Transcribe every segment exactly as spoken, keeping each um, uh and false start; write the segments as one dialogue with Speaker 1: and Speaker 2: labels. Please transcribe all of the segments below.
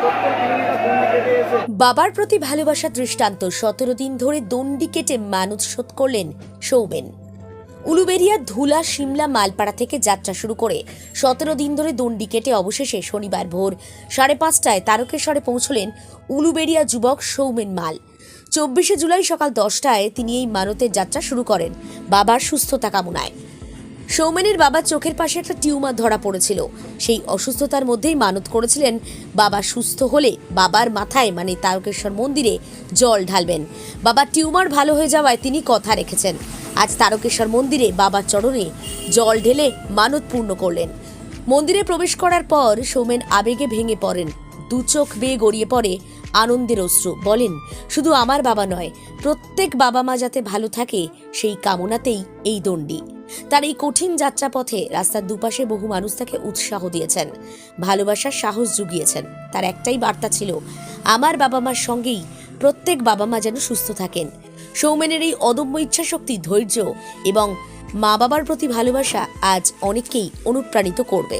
Speaker 1: বাবার প্রতি ভালোবাসা দৃষ্টান্ত সতেরো দিন ধরে দণ্ডি কেটে মানত শোধ করলেন সৌমেন। উলুবেড়িয়ার ধুলা সিমলা মালপাড়া থেকে যাত্রা শুরু করে সতেরো দিন ধরে দণ্ডি কেটে অবশেষে শনিবার ভোর সাড়ে পাঁচটায় তারকেশ্বরে পৌঁছলেন উলুবেড়িয়া যুবক সৌমেন মাল। চব্বিশে জুলাই সকাল দশটায় তিনি এই মানতের যাত্রা শুরু করেন বাবার সুস্থতা কামনায়। সৌমেনের বাবার চোখের পাশে একটা টিউমার ধরা পড়েছিল। সেই অসুস্থতার মধ্যেই মানত করেছিলেন বাবা সুস্থ হলে বাবার মাথায় মানে তারকেশ্বর মন্দিরে জল ঢালবেন। বাবার টিউমার ভালো হয়ে যাওয়ায় তিনি কথা রেখেছেন। আজ তারকেশ্বর মন্দিরে বাবার চরণে জল ঢেলে মানত পূর্ণ করলেন। মন্দিরে প্রবেশ করার পর সৌমেন আবেগে ভেঙে পড়েন। দু চোখ বেয়ে গড়িয়ে পড়ে আনন্দের অশ্রু। বলেন, শুধু আমার বাবা নয়, প্রত্যেক বাবা মা যাতে ভালো থাকে সেই কামনাতেই এই দণ্ডি। তার এই কঠিন যাত্রাপথে রাস্তার দুপাশে বহু মানুষ তাকে উৎসাহ দিয়েছেন, ভালোবাসার সাহস জুগিয়েছেন। তার একটাই বার্তা ছিল, আমার বাবা মার সঙ্গেই প্রত্যেক বাবা মা যেন সুস্থ থাকেন। সৌমেনের এই অদম্য ইচ্ছাশক্তি, ধৈর্য এবং মা বাবার প্রতি ভালোবাসা আজ অনেককেই অনুপ্রাণিত করবে।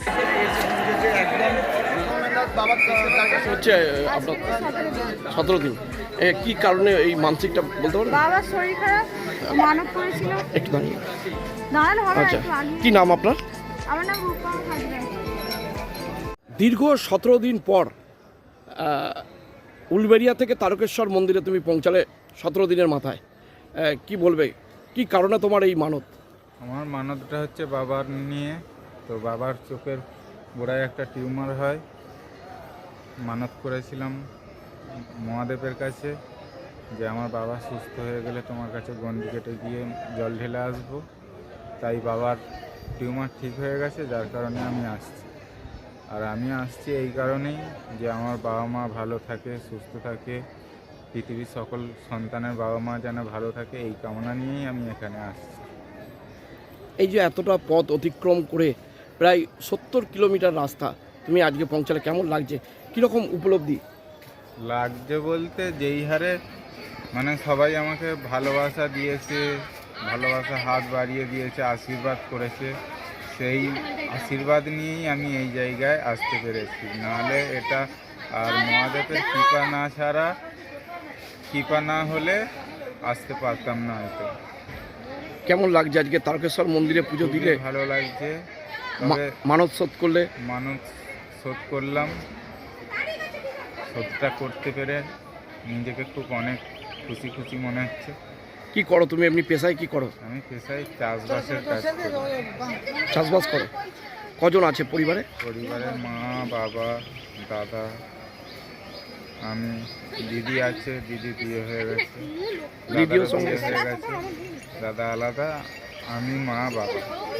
Speaker 2: হচ্ছে আপনার সতেরো দিন কি কারণে এই মানসিকটা বলতে পারবেন?
Speaker 3: বাবার শরীর খারাপ, মানত করেছিল।
Speaker 2: একটু দাঁড়িয়ে
Speaker 3: দাঁড়ানো হবে।
Speaker 2: আচ্ছা, কি নাম আপনার?
Speaker 3: আমার নাম রূপা হাজরা।
Speaker 2: দীর্ঘ সতেরো দিন পর উলবেড়িয়া থেকে তারকেশ্বর মন্দিরে তুমি পৌঁছালে সতেরো দিনের মাথায়। কি বলবে, কি কারণে তোমার এই মানত?
Speaker 4: আমার মানতটা হচ্ছে বাবার নিয়ে। তো বাবার চোখের গোড়ায় একটা টিউমার হয়, মানত করেছিলাম মহাদেবের কাছে যে আমার বাবা সুস্থ হয়ে গেলে তোমার কাছে গন্ডি কেটে গিয়ে জল ঢেলে আসবো। তাই বাবার টিউমার ঠিক হয়ে গেছে, যার কারণে আমি আসছি। আর আমি আসছি এই কারণেই যে আমার বাবা মা ভালো থাকে, সুস্থ থাকে, পৃথিবীর সকল সন্তানের বাবা মা যেন ভালো থাকে, এই কামনা নিয়েই আমি এখানে আসছি।
Speaker 2: এই যে এতটা পথ অতিক্রম করে প্রায় সত্তর কিলোমিটার রাস্তা তুমি আজকে পৌঁছালে, কেমন লাগছে, কীরকম উপলব্ধি
Speaker 4: লাগছে? বলতে যেই হারে মানে সবাই আমাকে ভালোবাসা দিয়েছে, ভালোবাসা হাত বাড়িয়ে দিয়েছে, আশীর্বাদ করেছে, সেই আশীর্বাদ নিয়েই আমি এই জায়গায় আসতে পেরেছি। নাহলে এটা আর মহাদেবের কৃপা না ছাড়া, কৃপা না হলে আসতে পারতাম না হয়তো।
Speaker 2: কেমন লাগছে আজকে তারকেশ্বর মন্দিরে পুজো দিলে?
Speaker 4: ভালো লাগছে। তবে
Speaker 2: মানত শোধ করলে?
Speaker 4: মানত শোধ করলাম, শোধটা করতে পেরে নিজেকে খুব অনেক খুশি খুশি মনে হচ্ছে।
Speaker 2: কি করো তুমি এমনি পেশায়, কি করো?
Speaker 4: আমি পেশায় চাষবাসের কাজ করি।
Speaker 2: চাষবাস করো? কজন আছে পরিবারে?
Speaker 4: পরিবারে মা, বাবা, দাদা, আমি, দিদি আছে, দিদি বিয়ে হয়ে গেছে,
Speaker 2: দিদিও
Speaker 4: দাদারও
Speaker 2: সঙ্গে
Speaker 4: বিয়ে হয়ে গেছে, দাদা আলাদা, আমি, মা, বাবা।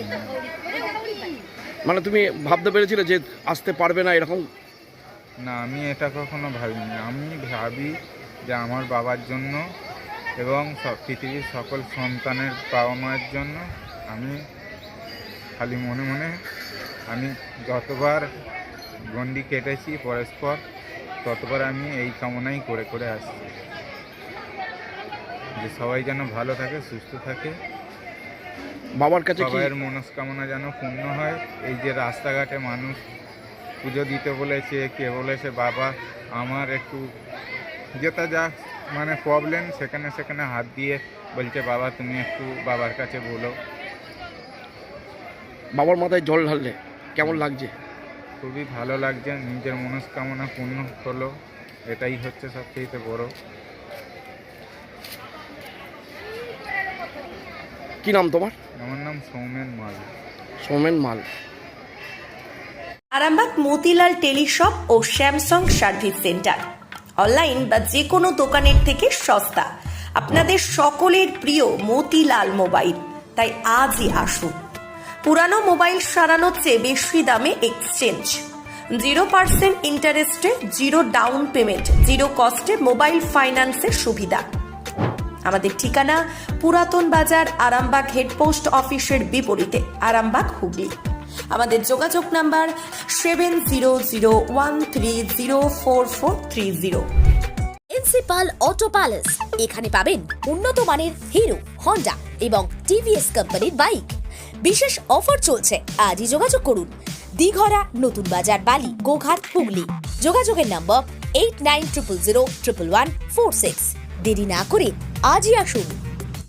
Speaker 2: মানে তুমি ভাবতে পেরেছিলে যে আসতে পারবে না এরকম?
Speaker 4: না, আমি এটা কখনো ভাবিনি। আমি ভাবি যে আমার বাবার জন্য এবং সব পৃথিবীর সকল সন্তানের বাবা মায়ের জন্য আমি খালি মনে মনে আমি যতবার গন্ডি কেটেছি পরস্পর, ততবার আমি এই কামনাই করে করে আসছি যে সবাই যেন ভালো থাকে, সুস্থ থাকে,
Speaker 2: বাবার কাছে
Speaker 4: সবাইয়ের মনস্কামনা যেন পূর্ণ হয়। এই যে রাস্তাঘাটে মানুষ পুজো দিতে বলেছে, কে বলেছে বাবা আমার একটু যেটা যা মানে প্রবলেম, সেখানে সেখানে হাত দিয়ে বলছে বাবা তুমি একটু বাবার কাছে বলো।
Speaker 2: বাবার মাথায় জল ঢাললে কেমন লাগছে?
Speaker 4: খুবই ভালো লাগছে, নিজের মনস্কামনা পূর্ণ হলো, এটাই হচ্ছে সবচেয়ে বড়।
Speaker 2: কি নাম তোমার?
Speaker 4: আমার নাম সৌমেন মাল।
Speaker 2: সৌমেন মাল।
Speaker 1: আরামবাগ মতিলাল টেলিশপ ও স্যামসাং সার্ভিস সেন্টার, অনলাইন বা যে কোনো দোকানের থেকে সস্তা। আপনাদের সকলের প্রিয় মতিলাল মোবাইল, তাই আজই আসুন। পুরানো মোবাইল সারানোর চেয়ে বেশি দামে এক্সচেঞ্জ, জিরো পার্সেন্ট ইন্টারেস্টে জিরো ডাউন পেমেন্ট, জিরো কস্টে মোবাইল ফাইন্যান্সের সুবিধা। আমাদের ঠিকানা পুরাতন বাজার, আরামবাগ হেডপোস্ট অফিসের বিপরীতে, আরামবাগ, হুগলি। আমাদের যোগাযোগ number seven zero zero one three zero four four three zero. Principal auto palace, এখানে পাবেন উন্নত মানের হিরো, হন্ডা এবং টিভিএস কোম্পানির বাইক। বিশেষ অফার চলছে, আজই যোগাযোগ করুন দিঘরা, নতুন বাজার, বালি, গোঘাট, হুগলি। যোগাযোগের number eight nine triple zero triple one four six. দেরি না করে আজই আসুন।